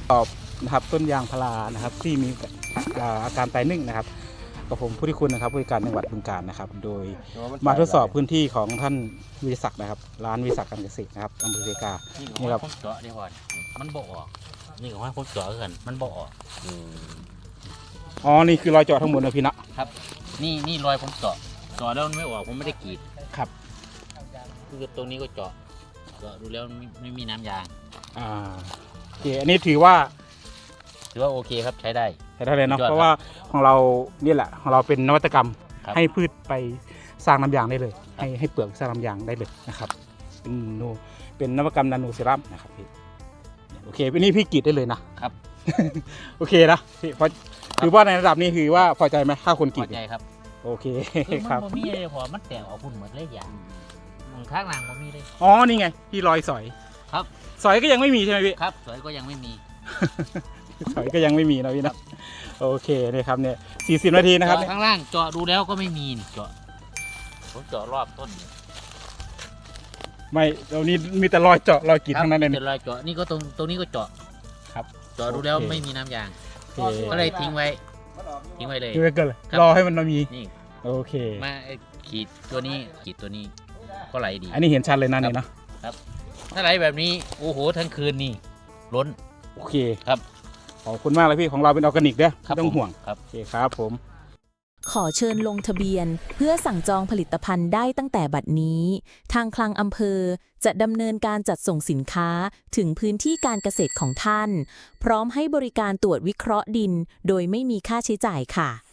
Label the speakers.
Speaker 1: ตอบนะครับต้นยางพารานะครับที่มีอาการตายนึ่งนะครับกับผมผู้ที่คุณนะครับผู้ว่าการจังหวัดบึงกาฬนะครับโดยมาทดสอบพื้นที่ของท่านวิทยาศักดิ์นะครับร้านวิทยาศักดิ์การเกษตรนะครับอำเภอเซกา
Speaker 2: นี่ครับผมเจาะได้พอมันบ่ออกนี่ก็ว่าผมเจาะกันมันบ่ออก
Speaker 1: อ๋อนี่คือรอยเจาะทั้งหมดนะพี่นะครับ
Speaker 2: นี่รอยผมเจาะแล้วมันไม่ออกผมไม่ได้กรีด
Speaker 1: ครับ
Speaker 2: คือตรงนี้ก็เจาะดูแล้วไม่มีน้ำยาง
Speaker 1: โอเคอันนี้ถือว่า
Speaker 2: ถือว่าโอเคครับใช้ได้
Speaker 1: ใช้ได้เลยเนาะ
Speaker 2: ยอดครับ
Speaker 1: เพราะว่าของเรานี่แหละของเราเป็นนวัตกรรม
Speaker 2: ครับ
Speaker 1: ให้พืชไปสร้างน้ำยางได้เลย
Speaker 2: ครับ
Speaker 1: ให้เปลือกสร้างน้ำยางได้เลยนะครับเป็นนวัตกรรมนาโนเซรั่มนะครับพี่โอเควันนี้พี่กรีดได้เลยนะครับ โอเคนะพี่พอถือว่าในระดับนี้คือว่าพอใจไหมถ้าคนก
Speaker 2: พ
Speaker 1: รี
Speaker 2: อ
Speaker 1: ด
Speaker 2: ใจครับ
Speaker 1: โอเค
Speaker 2: คือ
Speaker 1: ครับ
Speaker 2: มันบ่มีเลยพอมันแตกออกพุ่นหมดเลยอย่างมองข้างหลังบ่มีเลย
Speaker 1: อ๋อนี่ไงที่รอยสอย
Speaker 2: ครับ
Speaker 1: สอยก็ยังไม่มีใช่ไหมพี่
Speaker 2: ครับสวยก็ยังไม่มี
Speaker 1: สอยก็ยังไม่มีนะพี่นะโอเคนี่ครับเนี่ย40 นาทีนะครับ
Speaker 2: เจาะข้างล่างเจาะดูแล้วก็ไม่มีนี่เจาะผมเจาะรอบต้น
Speaker 1: ไม่ตรงนี้มีแต่รอยเจาะรอยกรีดทั้งนั้นเลย
Speaker 2: เจาะรอยเจาะนี่ก็ตรงนี้ก็เจาะ
Speaker 1: ครับ
Speaker 2: เจาะดูแล้ว
Speaker 1: โอเค
Speaker 2: ไม่มีน้ำยาง
Speaker 1: โอเค
Speaker 2: ก็เลยทิ้งไว้เลย
Speaker 1: ดูไว้ก่อนเลย
Speaker 2: ครับ
Speaker 1: รอให้มันมี
Speaker 2: นี่
Speaker 1: โอเค
Speaker 2: มาขีดตัวนี้ก็ไหลดี
Speaker 1: อันนี้เห็นชัดเลยนะนี่เนาะ
Speaker 2: ถ้าไหลแบบนี้โอ้โหทั้งคืนนี่ล้น
Speaker 1: โอเค
Speaker 2: ครับ
Speaker 1: ขอบคุณมากเลยพี่ของเราเป็นออร์แกนิกเด้อ
Speaker 2: ครับ
Speaker 1: ไม่ต้องห่วง
Speaker 2: ครับ
Speaker 1: โอเคครับผม
Speaker 3: ขอเชิญลงทะเบียนเพื่อสั่งจองผลิตภัณฑ์ได้ตั้งแต่บัดนี้ ทางคลังอำเภอจะดำเนินการจัดส่งสินค้าถึงพื้นที่การเกษตรของท่าน พร้อมให้บริการตรวจวิเคราะห์ดินโดยไม่มีค่าใช้จ่ายค่ะ